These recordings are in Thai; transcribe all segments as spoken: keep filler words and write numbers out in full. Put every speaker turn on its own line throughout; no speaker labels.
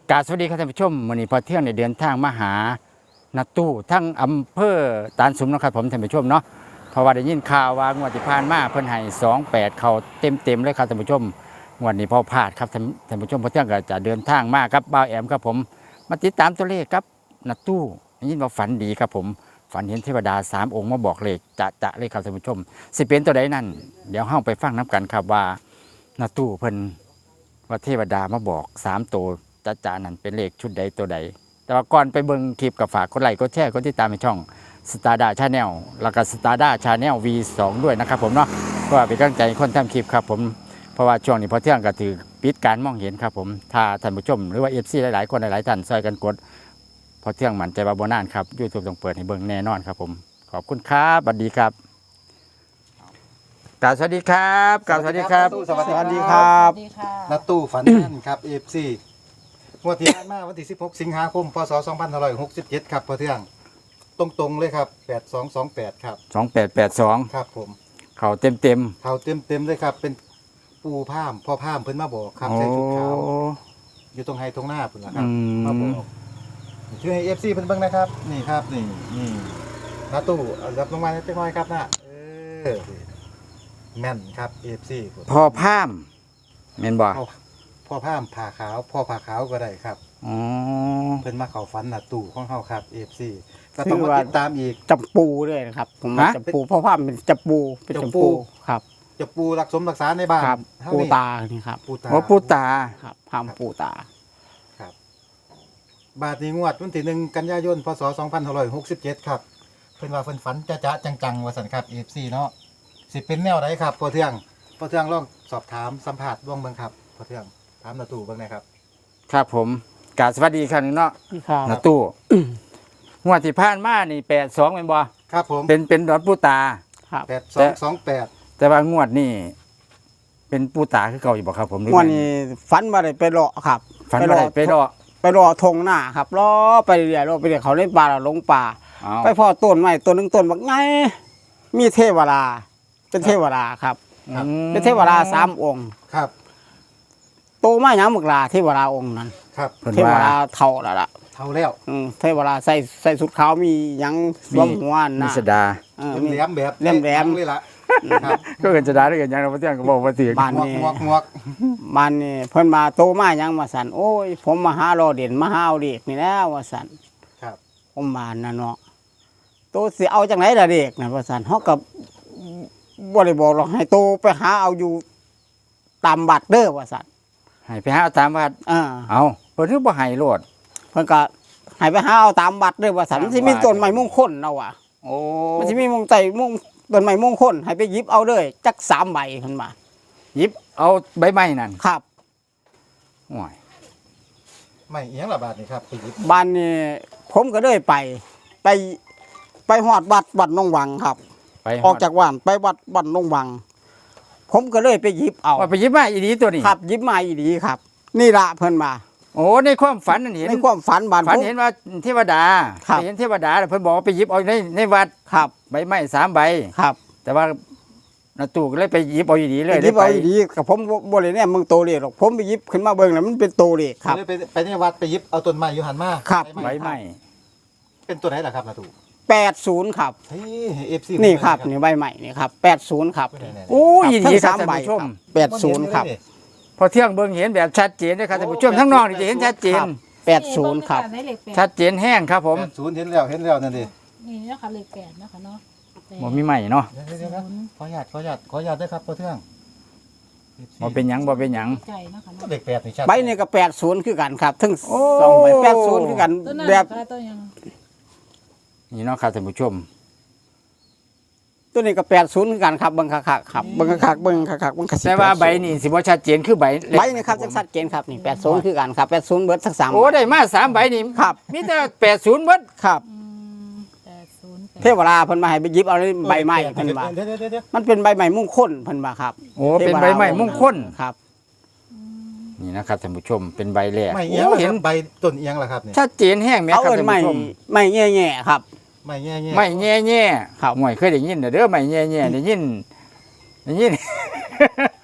กราบสวัสดีครับท่านผู้ชมวันนี้พอเที่ยงในเดินทางมาหานาตู้ทั้งอำเภอตาลสุมนะครับผมท่านผู้ชมเนาะเพราะว่าได้ยินข่าวว่างวดที่ผ่านมาเพิ่นให้สองแปดเขาเต็มเต็มเลยครับท่านผู้ชมงวดนี้พอพลาดครับท่านผู้ชมพอเที่ยงก็จะเดินทางมาครับบ่าวแอมครับผมมาติดตามตัวเลขครับนาตู้ได้ยินว่าฝันดีครับผมฝันเห็นเทวดาสามองค์มาบอกเลขจะจะเลยครับท่านผู้ชมสิเป็นตัวใดนั่นเดี๋ยวเฮาไปฟังน้ำกันครับว่านาตู้เพิ่นว่าเทวดามาบอกสามตัวจะจะนั่นเป็นเลขชุดใดตัวใดแต่ว่าก่อนไปเบิ่งคลิปกับฝากกดไลค์กดแชร์กดติดตามในช่องสตาร์ด้าชาแนลแล้วก็สตาร์ด้าชาแนล วี สอง ด้วยนะครับผมเนาะก็เป็นกำลังใจคนทำคลิปครับผมเพราะว่าช่วงนี้พอเที่ยงก็ถือปิดการมองเห็นครับผมถ้าท่านผู้ชมหรือว่าเอฟซีหลายๆคนหลายๆท่านช่วยกันกดพอเที่ยงมั่นใจว่าโบนานครับยูทูบต้องเปิดให้เบิ่งแน่นอนครับผมขอบคุณครับสวัสดีครับกราบสวัสดีครับกราบสวัสดีครับ
สวัสดีครับ
นัดตู้ฝันแม่นครับ เอฟ ซี งวดที่ผ่านมาวันที่สิบหกสิงหาคมพศสองพันห้าร้อยหกสิบเจ็ดครับพอเที่ยงตรงๆเลยครับแปดสองสองแปดครับ
สองแปดแปดสอง
ครับผม
เขาเต็มเต็ม
เขาเต็มๆเลยครับเป็นปูผ้ามพ่อผ้ามเพิ่นมาบอกครับใส่ชุดขาวอยู่ตรงไฮตรงหน้าเพิ่นล่ะครับมาบอกชื่อให้ เอฟ ซี เพิ่นเบิ่งนะครับนี่ครับนี่นี่นัดตู้เอารับลงมาจักหน่อยครับนะเออแม่นครับ เอฟ ซี
พอพามเมนบ่
พ่อพ่อผ้ามผ่าขาวพ่อผ่าขาวก็ได้ครับ
อ๋อ
เพิ่นมาเข้าฝันน่ะตู้ของเฮาครับ เอฟ ซี ก็ต้องมาติดตามอีก
จับปูด้วยนะครับผมมาจับปูเพราะว่าเป็นจับปูเป็นจับปูครับ
จะปูรักสมรักษาในบ้าน
ครับ
เฮา
ปู
นี่
ตานี่ครับ
ปูตา
โอ้ปูตา
ครับพามปูตา
ครับบาทนี้งวดวันที่หนึ่งกันยายนพศสองพันห้าร้อยหกสิบเจ็ดครับเพิ่นว่าเพิ่นฝันจะจะจังๆว่าซั่นครับ เอฟ ซี เนาะสิเป็นแนวใดครับพ่อเทืองพ่อเทืองลองสอบถามสัมภาษณ์ร่วงเบิ่งครับพ่อเทืองถามนาตู้เบิ่งหนะครับ
ครับผมกราบสวัสดีครับเนาะ
ครับ
นาตู้งวดที่ผ่านมานี่แปดสองเป็นบ่
ครับผม
เป็นเป็นดอนปูตา
ครับ
แปดสองสองแปด
แต่ว่างวดนี่เป็นปูตาคือเก่าอยู่บ่ครับผมหรือ
วันนี้ฝันมาได้ไปเลาะครับ
ฝันว่าได้ไปรอ
ไปรอทงหน้าครับรอไปเรื่อยๆรอไปเรื่อยเขาเล่นปลาเราลงป่า
เอา
ไปพ่อต้นไม้ต้นหนึงต้นบักไงมีเทวดาเป็นเทวดาครับ
อืม
เป็นเทวดาสามองค์
ครับ
โตมาหยังมึกลาเทวดาองค์นั้น
ครับ
เพิ่น
เทว
ว่า
ดาเท่าแล้วล่ะ
เท่าแล้ว
อืมเทวดาใส่ใส่สุดขาวมีหยังสวมหัว
มี
นะ
สดา
เออ
เป็น
มี
แหลมแบบ
แหลมๆ
เลยล่ะครับ
ก็เกินสดาได้กันยังเราบ่เที่ยงก็บอกว่าสิ
บ้าน
หมวก
นี่
หมวกหมวก
มันนี่เพิ่นมาโตมาหยังมาสั่นโอ้ย ผมมาหารอเด่นมาหาเอาเด็กนี่แล้วว่าสั่น
ครับ
ผมมาน่ะเนาะโตสิเอาจังไหนล่ะเด็กน่ะว่าสั่นเฮาก็บ่ได้บอกหรอกให้โตไปหาเอาอยู่ตามบัตรเด้อว่าสั่น
ให้ไปหาเอาตามวัด
เออ
เอาเพิ่นคือบ่ให้โลด
เพิ่นก็ให้ไปหาเอาตามบัตรเด้อว่าสั่นมันสิมีต้นไม้มงคลเอาว่ะ
โอ้
มันสิมีมงใจมงต้นไม้มงคลให้ไปหยิบเอาเลยจักสามใบเพิ่นมา
หยิบเอาใบไม้นั่น
ครับ
โอ้ย
ไม่เอียงละบาทนี่ครับไปหยิบ
บ้านนี่ผมก็เลยไป ไปไปหอดวัดวัดหนองวังครับ
ไป
ออกจากบ้านไปวัดวัดหนองวัง ผมก็เลยไปหยิบเอา
ว่าไปหยิบมาอีดีตัวนี้
ครับหยิบมาอีดีครับ นี่ละเพิ่นมา
โอ้ในความฝันนั่นเห็น
ในความฝันบ้าน
ฝัน
ผม
เห็นว่าเทวดา
ครับ
ไปเห็นเทวดาแล้วเพิ่นบอกว่าไปหยิบเอาในในวัด
ครับ
ใบไม้สามใบ
ครับ
แต่ว่านาตู้ก็เลยไปหยิบเอาอีดีเลย
หยิบเอา
ได้
อีดีกับผมบ่ได้แน่มึงโตเลขหรอกผมไปหยิบขึ้นมาเบิ่งแล้วมันเป็นโตเลขครับ
เลยไปไปในวัดไปหยิบเอาต้นไม้อยู่หันมา
ครับ
ใบไม้
เป็นตัวไหนล่ะครับนาตู้
แปดสิบครับ
เฮ้ยเอฟซี
นี่ครับนี่ใบใหม่นี่ครับแปดสิบครับ
โอ้ยอีดีค
ทั้
รับ
งสาม
ท่าน
ใบ
ผู้ชม
แปดสิบครับ
พอเที่ยงเบิ่งเห็นแบบชัดเจนเลยครับท่านผู้ชมทั้งนอกนี่จะเห็นชัดเจน
แปดสิบครับ
ได้เลขแปด
ชัดเจนแห้งครับผม
แปดศูนย์เห็นแล้วเห็นแล้วนั่นดิ
นี่นะคะเลขแปดนะคะเนาะแปด
บ่มีใหม่เนาะ
เดี๋ยวเดี๋ยวเดี๋ยวขออนุญาตขออนุญาตขออนุญาตด้วยครับพ่อเทือง
บ่เป็นหยังบ่เป็นหยัง
ใจนะคะเนาะ
เด็กแปดนี่ชัด
ใบนี่ก็แปดสิบคือกันครับทั้ง
โอ้
สองใบแปดสิบคือกัน
ต้นนั้น
แบบ
นะคะต้นยัง
นี่เนาะครับท่านผู้ชม
ตัวนี้ก็แปดสิบคือกันครับเบิ่งคักๆครับเบิ่งคักๆเบิ่งคักๆเบิ่งคักๆ
แต่ว่าใบนี่สิบ่ชัดเจนคือใบเล็ก
ใบนี่ครับจังชัดเจนครับนี่แปดสิบคือกันครับแปดสิบเบิดสักสาม
โอ้ได้มาสามใบนี่
ครับ
มีแต่แปดศูนย์เบิด
ครับ
อืมแปดศูนย์แปด
เทวดาเพิ่นมาให้ไปหยิบเอาในใบไม้เพิ่นว่า
เดี๋ยวเดี๋ยวเดี๋ยวเดี๋ยว
มันเป็นใบไม้มงคลเพิ่นว่าครับ
โอ้เป็นใบไม้มงคล
ครับ
นี่นะครับท่านผู้ชมเป็นใบแรก
ไม่เอียง
โอ้
เห็
เห็
น
น
ใบต้นเอียงล่ะครับเนี่ย
ชัดเจนแห้งแม่
เอา
ครับ
เอิ้น
ท่าน
ไม้
ผู้ชม
ไม้แง่ๆครับ
ไม่แง่แง่
ไม่แง่แง่
ครับ
ห่วยเคยได้ยินเด้อไม่แง่แง่ได้ยินได้ยิน ไ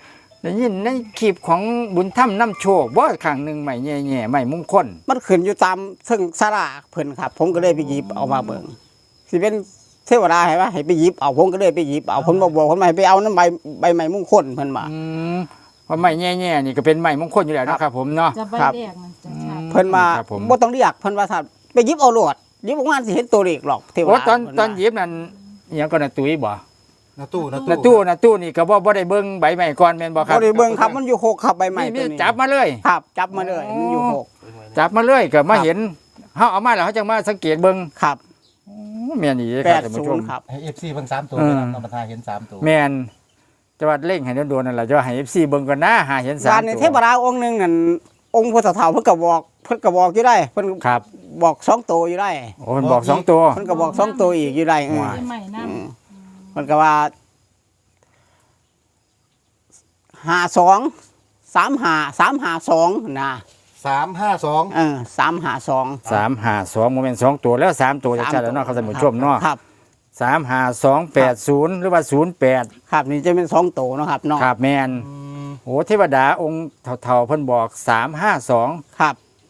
ได้ยินในคลิปของบุญธรรมน้ำโชคบ่ครั้งหนึงใหม่แย่ๆใหม่มงคล
มันขึ้นอยู่ตามซึ่งสลากเพิ่นครับ ผมก็เลยไปหยิบเอามาเบิ่งสิเป็นเทวดาให้ว่าให้ไปหยิบเอาผมก็เลยไปหยิบเอาเพิ่นบ่บอกเพิ่นมาให้ไปเอาน้ำใบใบไม้มงคลเพิ่นมา
อืมเพราะใหม่แย่ๆนี่ก็เป็นใหม่มงคลอยู่แล้วนะครับผมเนาะ
จะใบ
ครับ
แรกมันจะชัด
เพิ่นมา
ครับผม
บ่ต้องเรียกเพิ่นว่าถ้าไปหยิบเอาโลดหยิบออกมาสิเห็นตัวเลขหรอกเทว
โอ้
ดา
ตอน
เพิ่
ตอน
ว่า
หยิบนั่นอิหยังก็น่ะตุ้ยบ่
นาตู้นา
น่ะ
ตู้
ตู้น่ะตู้นี่ก็บ่บ่ได้เบิ่งใบใหม่ก่อนแม่นบ่ครับ
บ่ได้เบิ่งครับมันอยู่หกครับใบไม้
นี่
ตัว
มี
นี้
จับมาเลย
ครับ จับมาเลยมันอยู่หก
จับมาเลยก็มา
ครับ
เห็นเฮาเอามาแล้วเฮาจังมาสังเกตเบิ่ง
ครับ
โอ้แม่นอีเด้อ
แป
ครับ
ด
ท่าน
ศู
ผู้ช
น
ม
ย์ครับ
ให้ เอฟ ซี เบิ่งสามตัว
เออ
นะครับนำมาทาเห็นสามตัว
แม่นจะว่าเร่งให้โดนๆนั่นล่ะจะว่าให้ เอฟ ซี เบิ่งก่อนนะหาเห็นสาม
ร้านใน
ตัว
เทพดาองค์หนึงนั่นองค์พุทธเฒ่าเพิ่นก็บอกเพิ่นก็บอกอยู่ได้เพิ่น
ครับ
บอกสองตัวอยู่ได้
โอ้มันบอกสองตัว
เพิ่นก็บอกสองตัวอีกอยู่ได้เออ
ว้าย
ใหม่น้
อืมมันก็ว่าห้าสองสามห้าสามห้าสองนะ
สามห้าสอง
เออสามห้าสอง
สามห้าสองโมเมนต์สองตัวแล้วสามตัวจะชัดแล้วเนาะครับท่านผู้ชมเนาะ
ครับ
สามห้าสองแปดศูนย์หรือว่าศูนย์แปด
ครับนี่จะเป็นสองตัวเนาะครับเนาะ
ครับแมนโอ้เทวดาองค์เท่าๆเพิ่นบอกสามห้าสอง
ครับ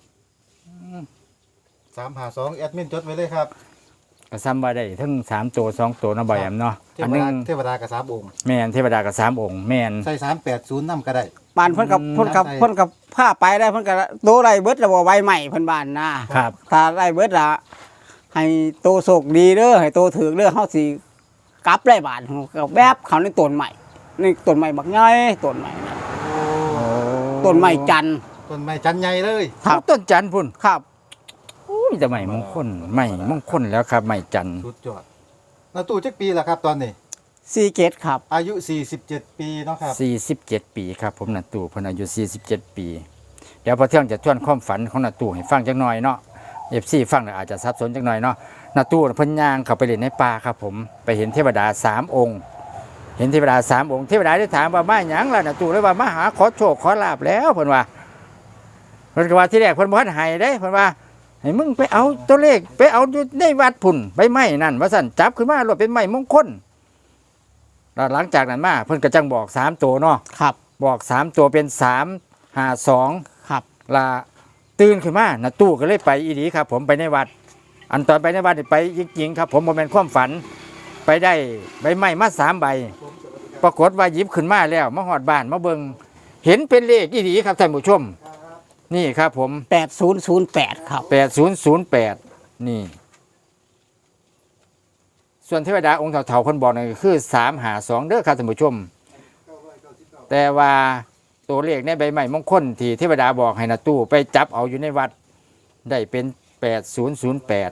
สามห้าสองแอดมินจดไว้เลยครับ
ก็ซ้ำว่าได้ทั้งสามตัวสองตัวเนาะบ่อยแอมเนาะ
เท
อัน
ว
หนึ
ดาง เทวดากับสามองค์
แมนเทวดากับสามองค์แมน
ใส่สามแปดศูนย์นำก็ได้
บ้านเพิ่นกับ
อืม
เพิ่นกับ
ใช่
เพิ่นกับผ้าไปได้เพิ่นกับโตไรเบิดแล้วบ่ใบใหม่เพิ่นบ้านนะครับ ถ้าไรเบิดละให้โตโศกดีเด้อให้โตถือเด้อเฮาสิกลับได้บ้านก็แบบเขาในต้นใหม่นี่ต้นใหม่บักใหญ่ต้นใหม่นะต้นใหม่จันทร์
ต้นไม้จันใหญ่เลย
ครับ
ต้นจันทร์พุ่น
ครับ
อุ้ยแต่ใหม่มงคลใหม่มงคลแล้วครับใหม่จันทร์
สุดยอดนาตู้จักปีละครับตอนนี้
ซีเกตครับ
อายุสี่สิบเจ็ดปีเนาะครับ
สี่สิบเจ็ดปีครับผมนาตู่เพนอายุสี่สิบเจ็ดปี เดี๋ยวพอเที่ยงจะทวนความฝันของนาตู่ให้ฟังจักหน่อยเนาะเอฟซีฟังแล้วอาจจะสับสนจักหน่อยเนาะนาตู่เพิ่นย่างเข้าไปเล่นในป่าครับผมไปเห็นเทวดาสามองค์ เห็นเทวดาสามองค์เทวดาได้ถามว่ามาหยังล่ะนาตู่เลยว่ามาหาขอโชคขอลาบแล้วเพิ่นว่าเพิ่นก็ว่าที่แรกเพิ่นบ่ทันให้เด้เพิ่นว่าให้มึงไปเอาตัวเลขไปเอาอยู่ในวัดพุ่นใบไม้นั่นว่าซั่นจับขึ้นมาโลดเป็นไม้มงคลแล้วหลังจากนั้นมาเพิ่นก็จังบอกสามตัวเนาะ
ครับ
บอกสามตัวเป็นสามห้าสอง
ครับ
ลาตื่นขึ้นมานาตู้ก็เลยไปอีดีครับ ผมไปในวัด อันตอนไปในวัดนี่ไปจริงๆครับ ผมโมเมนความฝัน ไปได้ใบไม้มาสามใบ ปรากฏว่าหยิบขึ้นมาแล้วมาหอดบ้านมาเบิงเห็นเป็นเลขอีดีครับท่านผู้ชม นี่ครับผม
แปดศูนย์ศูนย์แปดครับ
แปดศูนย์ศูนย์แปดนี่ ส่วนเทวดาองค์เถาๆเพิ่นบอกนั่นก็คือสามหาสองเด้อครับท่านผู้ชม แต่ว่าตัวเลขในใบไม้มงคลที่เทวดาบอกให้นาตู้ไปจับเอาอยู่ในวัด ได้เป็นแปดศูนย์ศูนย์แปด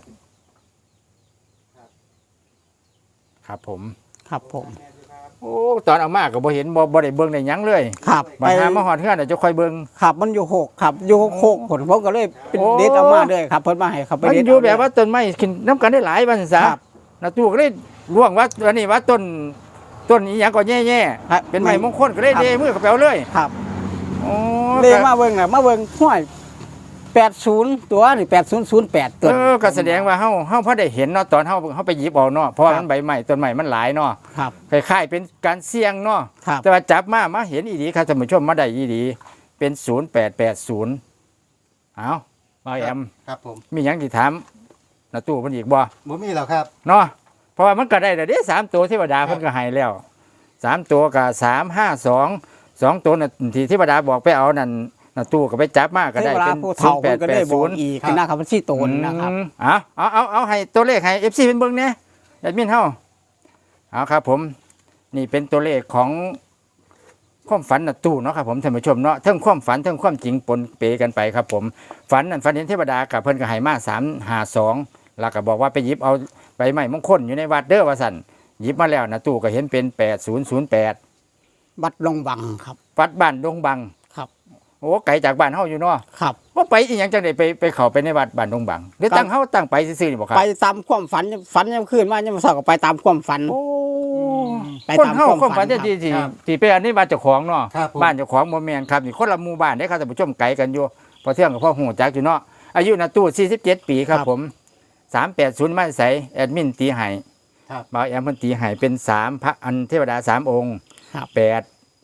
ครับผม
ครับผม
โอ้ตอนเอามาก็บ่เห็นบ่บ่ได้เบิ่งได้หยังเลย
ครับ
บัดหามาฮอดเฮือนน่ะจะค่อยเบิ่ง
ครับมันอยู่หกครับอยู่หกผลผมก็เลยเป็น
โอ้
เด็ดเอามาเลยครับเพิ่นมาให้เขาไป
มัน
เด็ด
อยู่
เา
แบบว่าต้นไม้ขึ้นน้ำกันได้หลายวันซะ
ครับ
นาตู้ก็เลยร่วงว่าอันนี้ว่าต้นต้นอีหยังก็แย่
ครับ
ๆเป็นไม้มงคลก็เลย
ครับ
เดมือกับแปลเลย
ครับ
โอ้
เลยมาเบิ่งอ่ะมาเบิ่งห้วยแปดศูนย์ตัวนี่แปดศูนย์ศูนย์แปดตัว
เออก็แสดงว่าเฮาเฮาพอได้เห็นเนาะตอนเฮาเฮาไปหยิบเอาเนาะเพราะว่า
ครับ
มันใบใหม่ต้นใหม่มันหลายเนาะ
ครับ
คล้ายๆเป็นการเสี่ยงเนาะ
ครับ
แต่ว่าจับมามาเห็นอีดีครับท่านผู้ชมมาได้อีดีเป็นศูนย์แปดแปดศูนย์เอามาแอม
ครับผม
มีหยังที่ถามนาตู้เพิ่นอีกบ่
บ่มีแล้วครับ
เนาะเพราะว่ามันก็ได้แต่เด้สามตัวเทวดาเพิ่นก็ให้แล้วสามตัวก็สามห้าสองสองตัวน่ะที่เทวดาบอกไปเอานั่นนาตู้ก็ไปจับมาก็
เท
ได้
วดา
เป็น
ผู้
ศู
เฒ่าน
ย์แป
เพิ่
ด
นก็
แป
ได้
ด
บ
ศู
อก
นย์
อีกนะครับมันสี่ตนนะครับ
เอาเอาเอาเอาให้ตัวเลขให้เอฟซีเป็นเบิ้งเนี่ยแอดมินเฮาเอาครับผมนี่เป็นตัวเลขของความฝันนาตู้เนาะครับผมท่านผู้ชมเนาะทั้งความฝันทั้งความจริงปนเปกันไปครับผมฝันนั่นฝันเห็นเทวดากับเพิ่นก็ให้มาสามห้าสองแล้วก็บอกว่าไปหยิบเอาใบไม้มงคลอยู่ในวัดเด้อว่าสั่นหยิบมาแล้วนาตู้ก็เห็นเป็นแปดศูนย์ศูนย์แปด
บัดลงบังครับ
วัดบ้านดงบัง
ครับ
โอ้ไกลจากบ้านเฮาอยู่เนาะ
ครับ
ว่าไปอีหยังจังได๋ไปไปเข้าไปในวัดบ้านดงบังหรือตั้งเฮาตั้งไปซื่อๆนี่บ่ครับ
ไปตามความฝันฝันยังคืนมายังมาสอบก็ไปตามความฝัน
โอ้
ไป
คน
ตาม
เฮา
ความ
ความฝัน
ฝัน
ที่ที่ที่
ครับ
ที่ไปอันนี้บ้านเจ้าของเนาะ
ครับผม
บ้านเจ้าของบ่แม่นครับนี่คนละหมู่บ้านเด้ครับท่านผู้ชมไกลกันอยู่พอเที่ยงกับพ่อฮู้จักอยู่เนาะอายุน่ะตู้สี่สิบเจ็ดปีครับผมสามแปดศูนย์มาใส่แอดมินตีให้
ครับ
บ่าวแอมเพิ่นตีให้เป็นสามพระอันเทวดาสามองค์
ครับ
แปด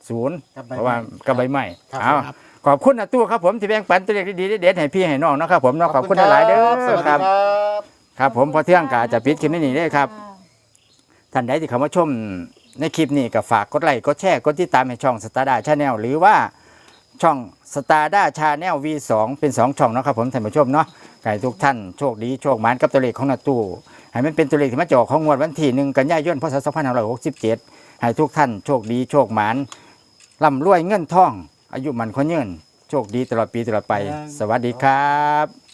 ศูนย์
กับใบ
เพราะว่ากับใบไม้
ครับ
เอา
ครับ
ขอบคุณนะตู้ครับผมที่แบ่งปันตัวเลขดีๆเด็ดๆให้พี่ให้น้องเนาะครับผมเนาะขอบคุณหลายๆเด้อ
สวัสดี
ค
ค
รั
รับ บ
ครับผมพอเที่ยงกาจะปิดคลิปนี้ได้ครับท่านใดที่เข้ามาชมในคลิปนี้ก็ฝากกดไลค์กดแชร์กดติดตามให้ช่องสตาร์ดาชาแนลหรือว่าช่องสตาร์ดาชาแนล วี สอง เป็นสองช่องเนาะครับผมท่านผู้ชมเนาะไก่ทุกท่านโชคดีโชคหมานกับตัวเลขของนาตู้ให้มันเป็นตัวเลขที่มาจอกของงวดวันที่หนึ่งกันยายนพศสองพันห้าร้อยหกสิบเจ็ดให้ทุกท่านโชคดีโชคหมานร่ำรวยเงินทองอายุมันคนยืนโชคดีตลอดปีตลอดไป สวัสดีครับ